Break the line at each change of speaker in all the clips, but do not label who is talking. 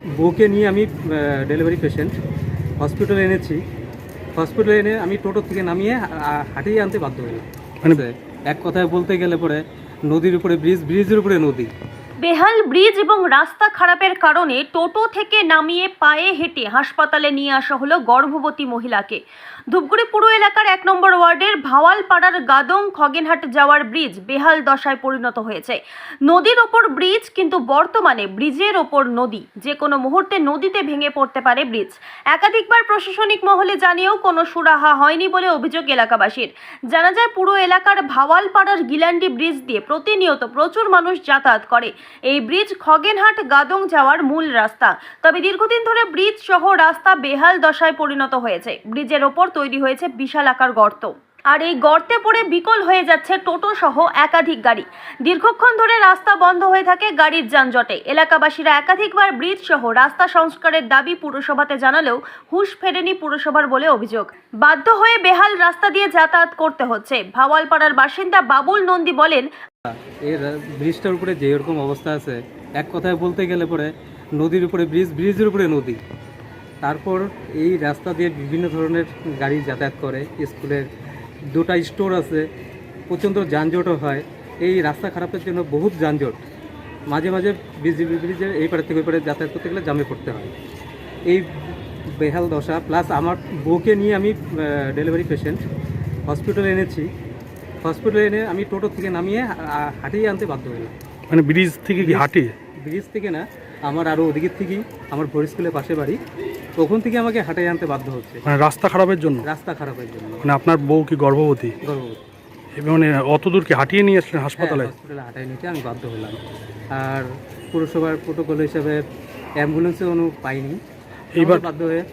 বউকে নিয়ে আমি ডেলিভারি পেশেন্ট হসপিটালে এনেছি। হসপিটালে এনে আমি টোটো থেকে নামিয়ে হাঁটিয়ে আনতে বাধ্য হলাম। মানে এক কথায় বলতে গেলে পরে নদীর উপরে ব্রিজের উপরে নদী।
বেহাল ব্রিজ এবং রাস্তা খারাপের কারণে টোটো থেকে নামিয়ে পায়ে হেঁটে হাসপাতালে নিয়ে আসা হলো গর্ভবতী মহিলাকে। ধূপগুড়ি পুর এলাকার 1 নম্বর ওয়ার্ডের ভাওয়ালপাড়ার গাদং খগেনহাট যাওয়ার ব্রিজ বেহাল দশায় পরিণত হয়েছে। নদীর ওপর ব্রিজ, কিন্তু বর্তমানে ব্রিজের ওপর নদী, যে কোনো মুহূর্তে নদীতে ভেঙে পড়তে পারে ব্রিজ। একাধিকবার প্রশাসনিক মহলে জানিয়েও কোনো সুরাহা হয়নি বলে অভিযোগ এলাকাবাসীর। জানা যায়, পুরো এলাকার ভাওয়ালপাড়ার গিলান্ডি ব্রিজ দিয়ে প্রতিনিয়ত প্রচুর মানুষ যাতায়াত করে। এই ব্রিজ খগেনহাট গাদং যাওয়ার মূল রাস্তা। তবে দীর্ঘদিন ধরে ব্রিজ সহ রাস্তা বেহাল দশায় পরিণত হয়েছে। ব্রিজের ওপর তৈরি হয়েছে বিশাল আকার গর্ত, আর এই গর্তে পড়ে বিকল হয়ে যাচ্ছে টোটো সহ একাধিক গাড়ি। দীর্ঘক্ষণ ধরে রাস্তা বন্ধ হয়ে থাকে গাড়ির যানজটে। এলাকাবাসীরা একাধিকবার ব্রিজ সহ রাস্তা সংস্কারের দাবি পুরসভাতে জানালেও হুঁশ ফেরেনি পুরসভার বলে অভিযোগ। বাধ্য হয়ে বেহাল রাস্তা দিয়ে যাতায়াত করতে হচ্ছে। ভাওয়ালপাড়ার বাসিন্দা বাবুল নন্দী বলেন,
এই ব্রিজটার উপরে যে এরকম অবস্থা আছে, এক কথায় বলতে গেলে পরে নদীর উপরে ব্রিজের উপরে নদী। তারপর এই রাস্তা দিয়ে বিভিন্ন ধরনের গাড়ি যাতায়াত করে। স্কুলের 2টা স্টোর আছে, প্রচণ্ড যানজটও হয়। এই রাস্তা খারাপের জন্য বহুত যানজট। মাঝে মাঝে ব্রিজের এই পাড়ে থেকে ওই পাড়ে যাতায়াত করতে গেলে জামে পড়তে হয়। এই বেহাল দশা, প্লাস আমার বউকে নিয়ে আমি ডেলিভারি পেশেন্ট হসপিটালে এনেছি। হসপিটালে এনে আমি টোটো থেকে নামিয়ে হাঁটিয়ে আনতে বাধ্য হলাম।
মানে ব্রিজ থেকে কি হাঁটিয়ে?
ব্রিজ থেকে না, আমার আরও ওদিকের থেকেই, আমার ভোর স্কুলের পাশে বাড়ি, ওখান থেকে আমাকে হাঁটিয়ে আনতে বাধ্য হচ্ছে।
মানে রাস্তা খারাপের জন্য?
রাস্তা খারাপের জন্য।
মানে আপনার বউ কি গর্ভবতী?
গর্ভবতী।
মানে অত দূর কি হাঁটিয়ে নিয়ে আসলেন হাসপাতালে?
হসপিটালে হাঁটাই নিতে আমি বাধ্য হলাম। আর পুরসভার প্রোটোকল হিসাবে অ্যাম্বুলেন্সে কোনো পাইনি, এইবার বাধ্য হয়ে।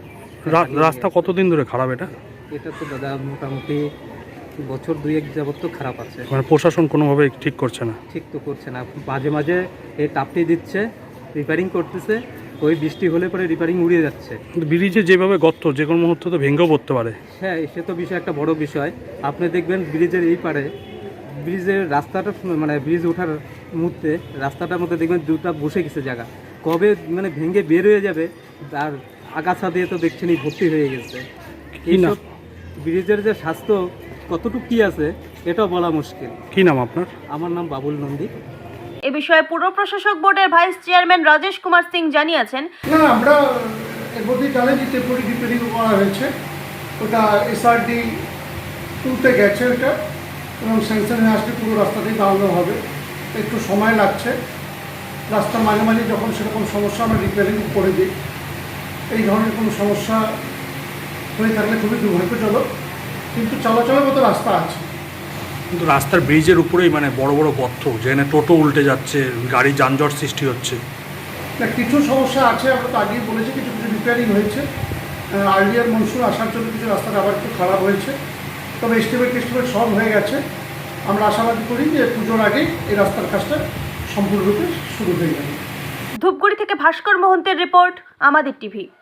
রাস্তা কতদিন ধরে খারাপ এটা?
এটা তো দাদা মোটামুটি বছর 2-1 যাবত তো খারাপ আছে।
মানে প্রশাসন কোনোভাবে ঠিক করছে না?
ঠিক তো করছে না, মাঝে মাঝে এই টাপটি দিচ্ছে, রিপেয়ারিং করতেছে। ওই বৃষ্টি হলে পরে রিপেয়ারিং উড়িয়ে যাচ্ছে।
ব্রিজে যেভাবে গর্ত, যে কোনো মুহূর্তে তো ভেঙেও পড়তে পারে।
হ্যাঁ, সে তো বিষয় একটা বড় বিষয়। আপনি দেখবেন ব্রিজের এই পারে, ব্রিজের রাস্তাটা মানে ব্রিজ ওঠার মুহূর্তে রাস্তাটার মধ্যে দেখবেন 2টা বসে গেছে জায়গা, কবে মানে ভেঙে বের হয়ে যাবে। আর আগাছা দিয়ে তো দেখছেন ভর্তি হয়ে গেছে। এইসব ব্রিজের যে স্বাস্থ্য কতটুকু কি আছে এটাও বলা মুশকিল।
কি নাম আপনার?
আমার নাম বাবুল নন্দী।
এ বিষয়ে পুর প্রশাসক বোর্ডের ভাইস চেয়ারম্যান রাজেশ কুমার সিং জানিয়েছেন,
না, আমরা এর মধ্যেই জানি যে টেম্পোরারি রিপেয়ারিং করা হয়েছে। ওটা SRD 2-তে গেছে ওটা, এবং স্যাংশন হয়ে আসলে পুরো রাস্তাতেই বানানো হবে। একটু সময় লাগছে। রাস্তা মাঝে মাঝে যখন সেরকম সমস্যা আমরা রিপেয়ারিং করে দিই। এই ধরনের কোনো সমস্যা হয়ে থাকলে খুবই দুর্ভাগ্যজনক, কিন্তু চলাচলের মতো রাস্তা আছে।
কিন্তু রাস্তার ব্রিজের উপরেই মানে বড় বড় গর্ত, যেখানে টোটো উল্টে যাচ্ছে, গাড়ি যানজট সৃষ্টি হচ্ছে।
না, কিছু সমস্যা আছে, আমরা তো আগেই বলেছি, কিছু কিছু রিপেয়ারিং হয়েছে। আর্লিয়ার মনসুন আসার জন্য কিছু রাস্তাটা আবার একটু খারাপ হয়েছে, তবে এস্টিমেট সলভ হয়ে গেছে। আমরা আশাবাদী করি যে পুজোর আগেই এই রাস্তার কাজটা সম্পূর্ণরূপে শুরু হয়ে যাবে।
ধূপগুড়ি থেকে ভাস্কর মোহন্তের রিপোর্ট, আমাদের টিভি।